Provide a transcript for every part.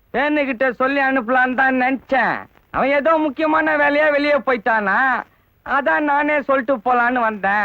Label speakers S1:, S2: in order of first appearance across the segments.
S1: வேணுகிட்ட சொல்லி அனுப்பலான்னு தான் நினைச்சேன். அவன் ஏதோ முக்கியமான வேலையா வெளியே போயிட்டானா, அதான் நானே சொல்லிட்டு போலான்னு வந்தேன்.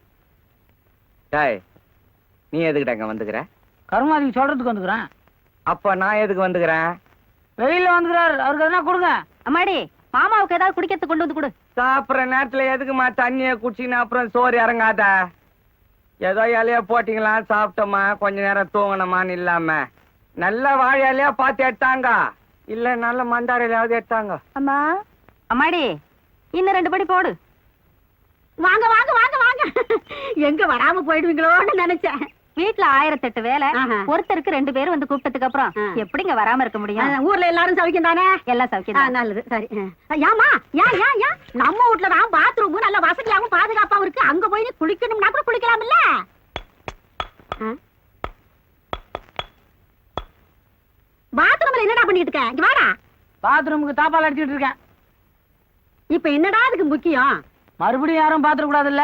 S1: நீ எதுக்கிட்ட இங்க வந்துக்கிற?
S2: கருமாதிக்கு சொல்றதுக்கு வந்துக்கிறேன்.
S1: அப்ப நான் எதுக்கு வந்துக்கிறேன்?
S2: வெளியில வந்துக்கிறாரு, அவருக்கு எதனா கொடுங்க.
S3: அம்மாடி, மாமாவுக்கு ஏதாவது குடிக்கிறதுக்கு கொண்டு வந்து கொடு.
S1: சாப்பிட்ற நேரத்துல எதுக்குமா தண்ணிய குடிச்சின்னு அப்புறம் சோறு இறங்காத. ஏதோ இலையா போட்டீங்களா, சாப்பிட்டோமா, கொஞ்ச நேரம் தூங்கணுமான்னு இல்லாம நல்ல வாழை இலையா பார்த்து எடுத்தாங்க, இல்ல நல்ல மந்தார இலையாவது எடுத்தாங்க.
S3: அம்மா, அம்மாடி, இன்னும் 2 படி போடு. வாங்க வாங்க வாங்க வாங்க. எங்க வராம போயிடுவீங்களோன்னு நினைச்சேன். வீட்டுல 1008 வேலை, ஒருத்தருக்கு 2 பேரும் வந்து கூப்பிட்டதுக்கு அப்புறம் எப்படிங்க வராம இருக்க முடியும்? ஊர்ல எல்லாரும் சௌக்கியம் தானே? எல்லாம் சௌக்கியம். நல்லது, சரி. ஏமா, ஏன் நம்ம வீட்டுல தான் பாத்ரூம் நல்ல வசதியாகவும் பாதுகாப்பாவும் இருக்கு. அங்க போய் குளிக்கணும்னா கூட குளிக்கலாம்ல. பாத்ரூம்ல என்னடா பண்ணிட்டு இருக்க? இங்க வாடா.
S2: பாத்ரூமுக்கு தாப்பால் அடிச்சுட்டு இருக்கேன்.
S3: இப்ப என்னடா அதுக்கு முக்கியம்?
S2: மறுபடியும் யாரும் பாத்துட கூடாதுல்ல.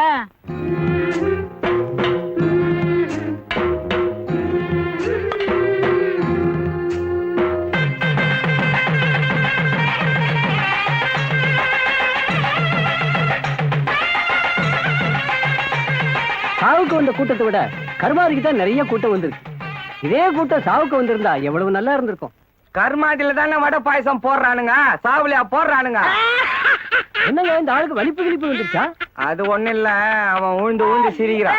S4: சாவுக்கு வந்த கூட்டத்தை விட கருமாதிக்கு தான் நிறைய கூட்டம் வந்திருக்கு. இதே கூட்டம் சாவுக்கு வந்திருந்தா எவ்வளவு நல்லா இருந்திருக்கும்.
S1: கருமாதில தானே வடை பாயசம் போடுறானுங்க, சாவுலியா போடுறானுங்க.
S4: என்னங்க இந்த ஆளுக்கு வலிப்பு கிழிப்பு வந்துருச்சா?
S1: அது ஒண்ணு இல்ல, அவன் உழுந்து உழுந்து சிரிக்கிறான்.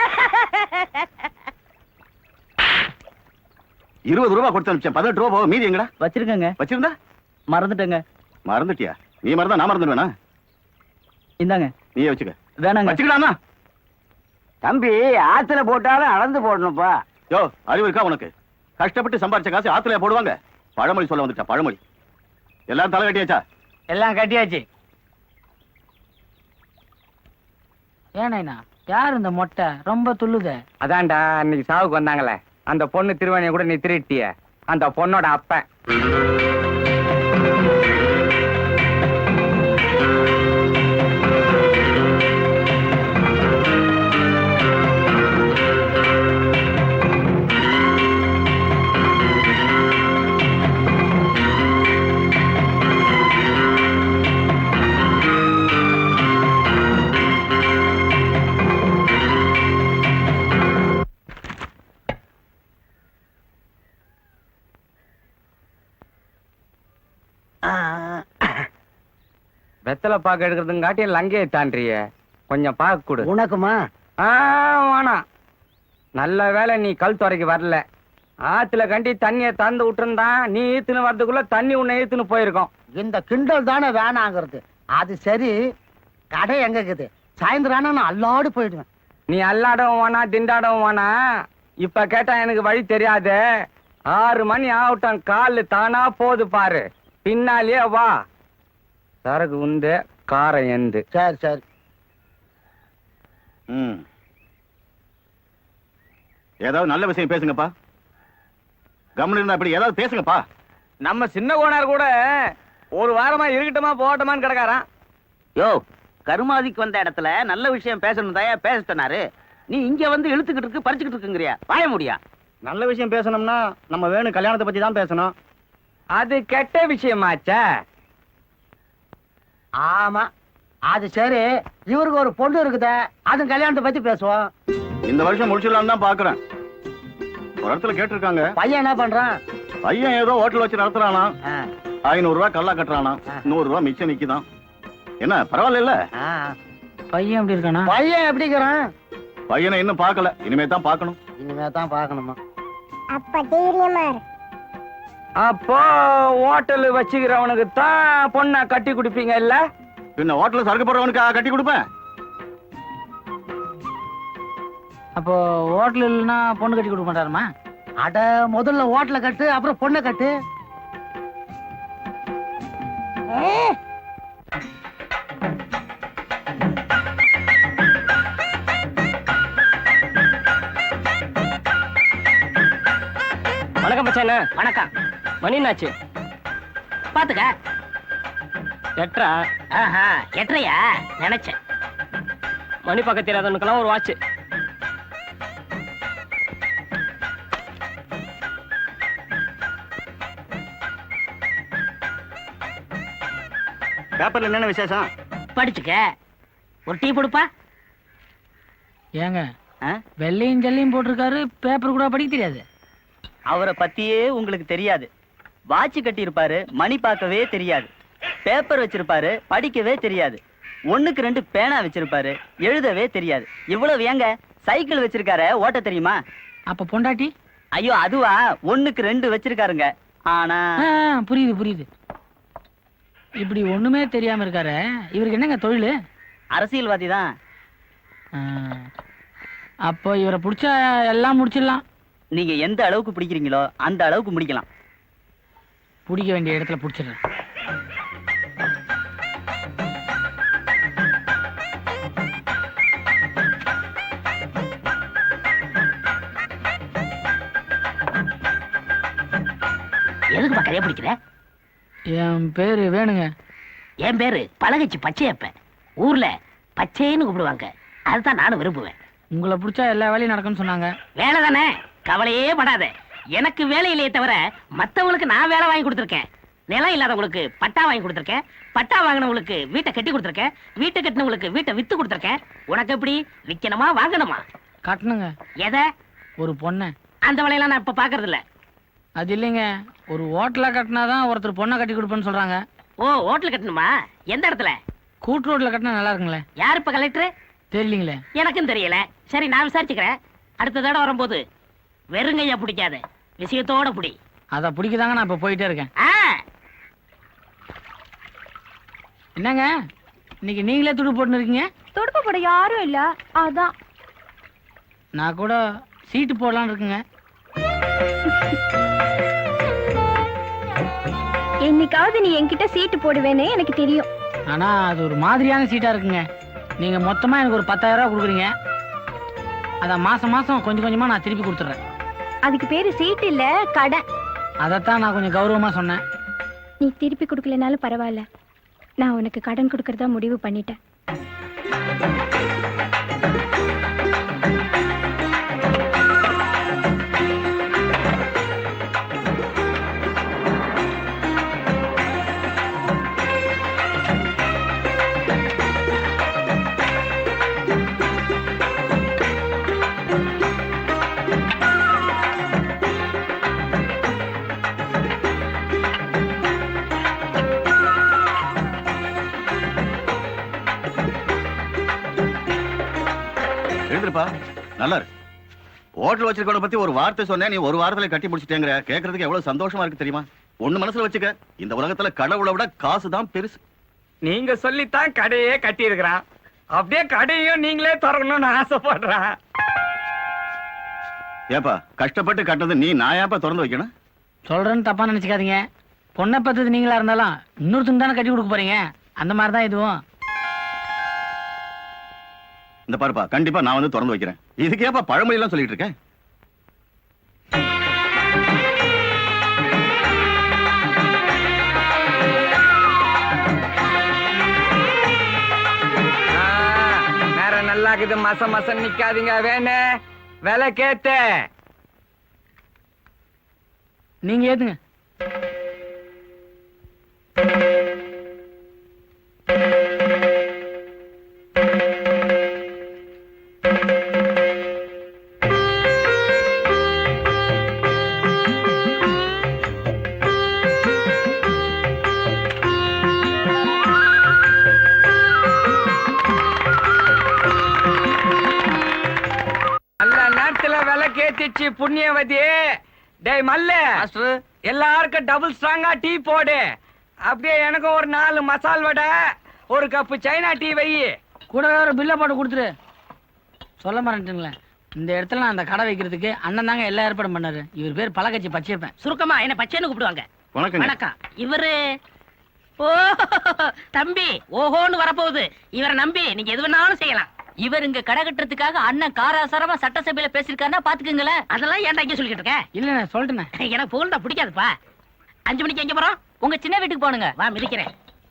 S5: 20 ரூபாய் கொடுத்து அனுப்பிச்சேன், 18 ரூபாய் போக மீதி எங்கடா?
S4: வச்சிருக்கங்க.
S5: வச்சிருந்தா
S4: மறந்துட்டேங்க.
S5: மறந்துட்டியா? நீ மறந்தா நான் மறந்துடுவேனா?
S4: இந்தாங்க.
S5: நீயே வச்சுக்க.
S4: வேணாங்க.
S5: வச்சுக்கலாமா?
S4: தம்பி, ஆத்துல போட்டாலும் அளந்து போடணும்ப்பா.
S5: யோ, அறிவு இருக்கா உனக்கு? கஷ்டப்பட்டு சம்பாரிச்ச காசு ஆத்துல போடுவாங்க. பழமொழி சொல்ல வந்துட்டா, பழமொழி. எல்லாரும் தலை கட்டியாச்சா?
S2: எல்லாம் கட்டியாச்சு. ஏனா யார் இந்த மொட்டை ரொம்ப துள்ளுத?
S1: அதான்டா இன்னைக்கு சாவுக்கு வந்தாங்களே அந்த பொண்ணு திருவாணிய கூட நீ திருட்டிய, அந்த பொண்ணோட அப்பன். வெத்தலை பாக்கு எடுக்கிறதுங்காட்டி லங்கையை தாண்டிய கொஞ்சம் பாக்கு கொடு.
S4: உனக்குமா?
S1: வேணாம். நல்ல வேலை நீ கல் துறைக்கு வரல. ஆத்துல கண்டி தண்ணிய தந்து விட்டுருந்தான், நீ ஈத்துன்னு வரதுக்குள்ள தண்ணி உன்னை ஈத்துன்னு போயிருக்கோம்.
S4: இந்த கிண்டல் தானே வேணாங்கிறது. அது சரி, கடை எங்க இருக்குது? சாயந்தரம் நான் அல்லாடு போயிடுவேன்.
S1: நீ அல்லாடவும் வேணா, திண்டாடவும் வேணா. இப்ப கேட்டா எனக்கு வழி தெரியாது. 6 மணி ஆகட்டும், காலு தானா போது பாரு, பின்னாலேயே வா. சரக்கு உண்டு, காரம் எந்து.
S4: சரி சரி.
S5: ஏதாவது நல்ல விஷயம் பேசுங்கப்பா. கவனம் இருந்தா இப்படி ஏதாவது பேசுங்கப்பா.
S1: நம்ம சின்ன கோனார் கூட ஒரு வாரமா இருக்கட்டுமா போகட்டுமான்னு கிடக்காரான்.
S6: யோ, கருமாதிக்கு வந்த இடத்துல நல்ல விஷயம் பேசணும் தாயா பேச சொன்னாரு. நீ இங்க வந்து இழுத்துக்கிட்டு இருக்கு, பறிச்சுக்கிட்டு இருக்குங்கிறியா? வாய முடியா?
S4: நல்ல விஷயம் பேசணும்னா நம்ம வேணும் கல்யாணத்தை பத்தி தான் பேசணும்.
S1: அது கெட்ட விஷயமாச்சா?
S4: ஆமா, அது சரி. இவருக்கு ஒரு பொண்ணு இருக்குதே, அது கல்யாணத்தை பத்தி பேசுவோம்.
S5: இந்த வருஷம் முடிச்சிடலாம் தான் பாக்குறேன். ஒரு இடத்துல கேட்டிருக்காங்க.
S4: பையன் என்ன பண்றான்?
S5: பையன் ஏதோ ஹோட்டல் வச்சு நடத்துறானா. 500 ரூபாய் கல்லா கட்டுறானா, 100 ரூபாய் மிச்சம் நிக்குதான். என்ன பரவாயில்ல?
S2: பையன் எப்படி இருக்கானா?
S4: பையன் எப்படி இருக்கிறான்?
S5: பையனை இன்னும் பாக்கல, இனிமே தான் பாக்கணும்.
S4: இனிமே தான் பாக்கணுமா?
S3: அப்ப தைரியமா இரு.
S1: அப்போ ஹோட்டல் வச்சுக்கிறவனுக்கு தான் பொண்ணை கட்டி குடிப்பீங்க இல்ல?
S5: பின்ன ஹோட்டல் சரக்கு போடுறவனுக்கு கட்டி கொடுப்பேன்.
S2: அப்போ ஹோட்டல் இல்லைன்னா பொண்ணு கட்டி கொடுக்க மாட்டாருமா?
S4: அட, முதல்ல ஹோட்டல கட்டு, அப்புறம் பொண்ணை கட்டு.
S1: வணக்கம் மச்சானே.
S6: வணக்கம்.
S1: மணி என்னாச்சு?
S6: பாத்துக்க.
S1: 8:30.
S6: ஆஹா, 8:30யா? நினைச்சேன்.
S1: மணி பக்கத்து தெரியாதவனுக்கெல்லாம் ஒரு வாட்ச்.
S5: பேப்பர்ல என்னென்ன விசேஷம்?
S6: படிச்சுக்க. ஒரு டீ கொடுப்பா.
S2: ஏங்க
S6: ஆ?
S2: வெள்ளையும் ஜல்லையும் போட்டிருக்காரு, பேப்பர் கூட படிக்க தெரியாது.
S7: அவரை பத்தியே உங்களுக்கு தெரியாது. வாட்ச் கட்டி இருப்பாரு, மணி பார்க்கவே தெரியாது. பேப்பர் வச்சிருப்பாரு, படிக்கவே தெரியாது. 1க்கு 2 பேனா வச்சிருப்பாரு, எழுதவே தெரியாது. இவ்வளவு ஏங்க சைக்கிள் வச்சிருக்காரு, ஓட்ட தெரியுமா?
S2: அப்ப பொண்டாட்டி?
S7: ஐயோ அதுவா, 1க்கு 2 வச்சிருக்காருங்க. ஆனா
S2: புரியுது புரியுது. இப்படி ஒண்ணுமே தெரியாம இருக்காரு, இவருக்கு என்னங்க தொழில்?
S7: அரசியல்வாதி தான்.
S2: அப்போ இவரை பிடிச்சா எல்லாம் முடிச்சிடலாம்.
S7: நீங்க எந்த அளவுக்கு பிடிக்கிறீங்களோ அந்த அளவுக்கு முடிக்கலாம்.
S2: பிடிக்க வேண்டிய இடத்துல பிடிச்சிடுறேன்.
S6: எதுக்கு பக்கரையே பிடிக்கிற?
S2: என் பேரு வேணுங்க.
S6: என் பேரு பழகச்சி பச்சையப்ப. ஊர்ல பச்சைன்னு கூப்பிடுவாங்க. அதுதான் நானும் விரும்புவேன்.
S2: உங்களை பிடிச்சா எல்லா வேலையும் நடக்கும்னு சொன்னாங்க.
S6: வேலை தானே, கவலையே படாத. எனக்கு வேலை இல்லையே தவிர மத்தவங்களுக்கு நான் வேலை வாங்கி கொடுத்துருக்கேன். நிலம் இல்லாதவங்களுக்கு பட்டா வாங்கி கொடுத்துருக்கேன். பட்டா வாங்கினவங்களுக்கு வீட்டை கட்டி கொடுத்துருக்கேன். வீட்டை கட்டினவங்களுக்கு வீட்டை வித்து கொடுத்துருக்கேன். உனக்கு எப்படி விற்கணுமா வாங்கணுமா?
S2: கட்டணுங்க.
S6: எதை?
S2: ஒரு பொண்ணை.
S6: அந்த வேலையெல்லாம் நான் இப்ப பாக்குறது இல்ல.
S2: அது இல்லைங்க, ஒரு ஹோட்டலா கட்டினாதான் ஒருத்தர் பொண்ணை கட்டி கொடுப்பேன்னு சொல்றாங்க.
S6: ஓ, ஹோட்டல் கட்டணுமா? எந்த இடத்துல?
S2: கூட்டு ரோட்ல கட்டினா நல்லா இருக்குங்களே.
S6: யார் இப்ப கலெக்டர்?
S2: தெரியலீங்களே.
S6: எனக்கும் தெரியல. சரி, நான் விசாரிச்சுக்கிறேன். அடுத்த தடவை வரும்போது வெறுங்கையா பிடிக்காத, விஷயத்தோட பிடி.
S2: அதை பிடிக்கதாங்க நான் இப்ப போயிட்டே இருக்கேன். என்னங்க இன்னைக்கு நீங்களே துடு போட்டுன்னு இருக்கீங்க?
S3: துடுப்பு போட யாரும் இல்ல, அதான்.
S2: நான் கூட சீட்டு போடலான்னு இருக்குங்க.
S3: என்னைக்காவது நீ என்கிட்ட சீட்டு போடுவேன்னு எனக்கு தெரியும்.
S2: ஆனா அது ஒரு மாதிரியான சீட்டா இருக்குங்க. நீங்க மொத்தமா எனக்கு ஒரு 10,000 ரூபாய் கொடுக்குறீங்க. அத மாசம் மாசம் கொஞ்சம் கொஞ்சமா நான் திருப்பி கொடுத்துறேன்.
S3: அதுக்கு பேரு சீட்டு இல்ல, கடன்.
S2: அதத்தான் நான் கொஞ்சம் கௌரவமா சொன்னேன்.
S3: நீ திருப்பி கொடுக்கலனாலும் பரவாயில்ல, நான் உனக்கு கடன் கொடுக்கறதா முடிவு பண்ணிட்டேன்.
S5: எழுந்திருப்பா, நல்லா இருக்கு. ஹோட்டல் வச்சிருக்கவன பத்தி ஒரு வார்த்தை சொன்னேன், நீ ஒரு வாரத்துல கட்டி முடிச்சிட்டேங்கிற. கேட்கறதுக்கு எவ்வளவு சந்தோஷமா இருக்கு தெரியுமா? ஒண்ணு மனசுல வச்சுக்க, இந்த உலகத்துல கடவுளை விட காசு தான் பெருசு.
S1: நீங்க சொல்லித்தான் கடையே கட்டி இருக்கிறான். அப்படியே கடையும் நீங்களே திறக்கணும்னு ஆசைப்படுறான்.
S5: ஏப்பா, கஷ்டப்பட்டு கட்டது நீ, நான் ஏப்பா திறந்து வைக்கணும்?
S2: சொல்றேன்னு தப்பா நினைச்சுக்காதீங்க. பொண்ணை பத்தது நீங்களா இருந்தாலும் இன்னொருத்தங்க தானே கட்டி கொடுக்க போறீங்க. அந்த மாதிரிதான் இதுவும்.
S5: இந்த பாருப்பா, கண்டிப்பா நான் வந்து திறந்து வைக்கிறேன். இதுக்கு ஏப்பா பழமொழி எல்லாம் சொல்லிட்டு இருக்கேன்?
S1: நேரம் நல்லா இருக்குது. மசம் நிக்காதீங்க. வேணே விலை கேட்டு
S2: நீங்க ஏத்துங்க.
S1: கேத்திச்சு புண்ணியவதி. டேய் மல்ல, எல்லாருக்கும் டபுள் ஸ்ட்ராங்கா டீ போடு. அப்படியே எனக்கும் ஒரு 4 மசால் வடை, ஒரு கப்பு சைனா டீ வை.
S2: கூட வேற பில்ல போட்டு கொடுத்துரு. சொல்ல மறந்துட்டுங்களேன், இந்த இடத்துல நான் அந்த கடை வைக்கிறதுக்கு அண்ணன் தாங்க எல்லா ஏற்பாடும் பண்ணாரு. இவர் பேர் பழகச்சி பச்சையப்பன்.
S6: சுருக்கமா என்ன பச்சைன்னு கூப்பிடுவாங்க.
S5: வணக்கம்.
S6: வணக்கம். இவரு ஓ தம்பி, ஓஹோன்னு வரப்போகுது. இவரை நம்பி நீங்க எது வேணாலும் செய்யலாம்.
S8: இவர் இங்க கடை கட்டுறதுக்காக அண்ணன் காராசாரமா சட்டசபையில பேசிருக்காருன்னா பாத்துக்கங்களேன்.
S6: அதெல்லாம் ஏன்டா இங்க சொல்லிட்டு இருக்க?
S2: இல்ல நான் சொல்லிட்டேன்.
S6: எனக்கு புகழ்ந்தா பிடிக்காதுப்பா. 5 மணிக்கு எங்க போறோம்?
S8: உங்க சின்ன வீட்டுக்கு போனுங்க.
S6: வா, மிதிக்கிறேன்.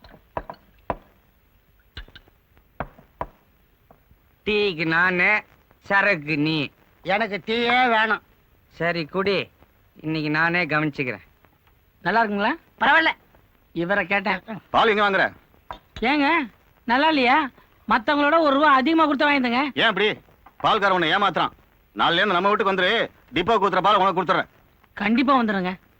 S1: டீக்கு நானு, சரக்கு நீ.
S6: எனக்கு டீயே வேணும்.
S1: சரி குடி, இன்னைக்கு நானே கவனிச்சுக்கிறேன்.
S2: நல்லா இருக்குங்களா?
S6: பரவாயில்ல.
S2: இவரை கேட்டேன்.
S5: பால் எங்க வாங்குற?
S2: ஏங்க நல்லா இல்லையா? மத்தவங்களோட ஒரு ரூபா அதிகமா கொடுத்து வாங்கிடுங்க.
S5: ஏன் அப்படி? பால்கார உன்னை ஏமாத்துறான். நாளைல இருந்து நம்ம வீட்டுக்கு வந்துரு, டிப்போ ஊத்துற பால் உனக்கு கொடுத்துறேன்.
S2: கண்டிப்பா வந்துடுங்க.